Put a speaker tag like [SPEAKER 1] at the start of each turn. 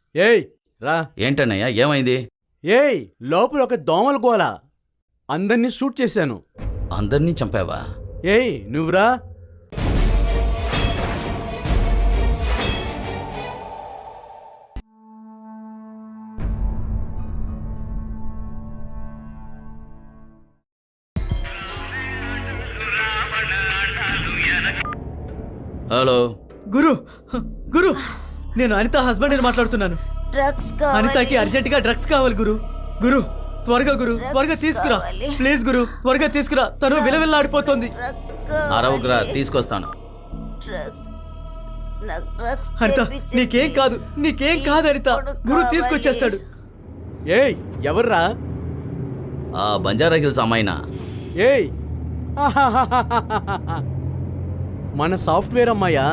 [SPEAKER 1] ఏయ్ రా.
[SPEAKER 2] ఏంటన్నయ్య ఏమైంది?
[SPEAKER 1] ఏయ్ లోపల ఒక దోమల గోల. అందరినీ షూట్ చేశాను.
[SPEAKER 2] అందరినీ చంపావా?
[SPEAKER 1] ఏయ్ నువ్వురా.
[SPEAKER 2] హలో
[SPEAKER 3] గురు గురు నేను అనిత హస్బెండ్ అని మాట్లాడుతున్నాను.
[SPEAKER 4] డ్రగ్స్ కావాలి.
[SPEAKER 3] అనితకి అర్జెంట్ గా డ్రగ్స్ కావాలి గురు. గురు త్వరగా గురు, త్వరగా తీసుకురా ప్లీజ్ గురు, త్వరగా తీసుకురా. తను విలవిల్లాడిపోతుంది.
[SPEAKER 4] డ్రగ్స్ కావాలి.
[SPEAKER 2] అరవకురా, తీసుకొస్తాను.
[SPEAKER 4] డ్రగ్స్. నాకు డ్రగ్స్
[SPEAKER 3] అనిత
[SPEAKER 4] తెప్పించండి.
[SPEAKER 3] నీకేం కాదు, నీకేం కాదు అనిత. గురు తీసుకొచ్చేస్తాడు.
[SPEAKER 1] ఏయ్ ఎవర్రా?
[SPEAKER 2] ఆ బంజారా హిల్స్ అమ్మాయినా?
[SPEAKER 1] ఏయ్ మన సాఫ్ట్వేర్ అమ్మాయా?